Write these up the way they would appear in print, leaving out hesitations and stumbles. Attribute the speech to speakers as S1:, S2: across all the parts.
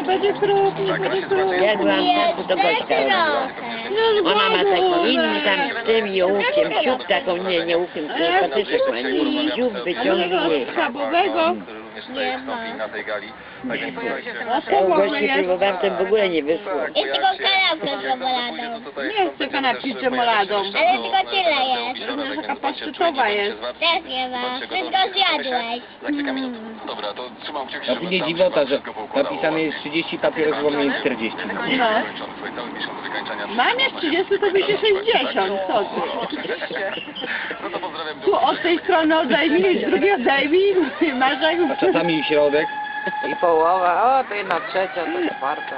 S1: będzie kruk, nie będzie kruk.
S2: Jak byłam w czasu, to Gośka robiła. Ona ma taki inny tam z tym i ołówkiem, siup taką, nie ołówkiem, tylko patyczek ma, nie, siup wyciągnie.
S1: Schabowego.
S3: Nie ma.
S2: Ja u Gośki próbowałam, to w ogóle nie wyszło.
S3: Jest tylko kanapka z czekoladą.
S1: Nie chcę kanapki z czekoladą.
S3: Ale tylko tyle jest.
S1: Ona taka paszczytowa jest.
S3: Też nie ma. Wszystko zjadłeś.
S4: Dobra, to trzymam kciuki,
S5: A później dziwota, że napisane jest 30 papierosów, bo mieli 40.
S1: No. Mam jak 30, to będzie 60. Co ty?
S4: No to pozdrawiam.
S1: Tu od tej strony odejmij, z drugiej odejmij. Masz jak...
S5: A czasami środek.
S2: I połowa, o to jedna trzecia, to czwarta.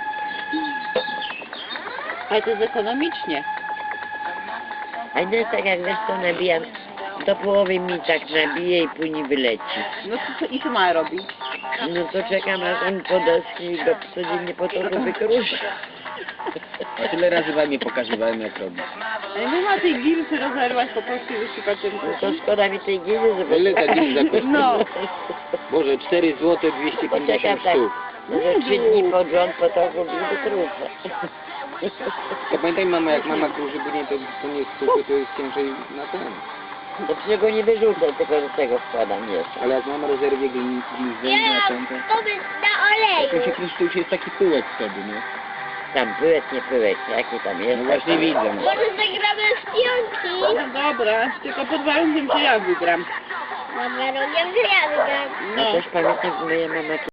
S1: Ale to jest ekonomicznie.
S2: A nie jest tak jak wiesz co nabijam, do połowy mi tak nabije i później wyleci.
S1: No i co ma robić?
S2: No to czekam aż on po deski i go codziennie po to wykruszy.
S5: A tyle razy wam nie pokazywałem jak robić.
S1: Ale nie ma tej gilsy rozerwać po prostu i wysypać ten
S2: No to szkoda mi tej giełdy, żeby...
S5: Ile ta gilza kosztuje?
S1: No.
S5: Boże, 4 zł 250
S2: Poczekam tak,
S5: sztuk.
S2: że 3 dni pod rząd po to wykruszę.
S5: To pamiętaj mama, jak mama kruży, bo nie, to nie jest suchy, to jest ciężej na ten.
S2: To przecież go nie wyrzucę, tylko do tego wkładam jeszcze.
S5: Ale jak mama rezerwie gilzę
S3: Ja
S5: na ten,
S3: to jest na
S5: to
S3: oleju.
S5: się kruszy, to już jest taki pyłek wtedy, nie?
S2: Tam pyłek, nie pyłek, jaki tam jest.
S5: No właśnie widzę.
S3: Może zagramy w piłki?
S1: No dobra, tylko pod warunkiem, że ja wygram.
S3: Mam warunkiem, że ja wygram.
S2: No też pamiętam, że moja mama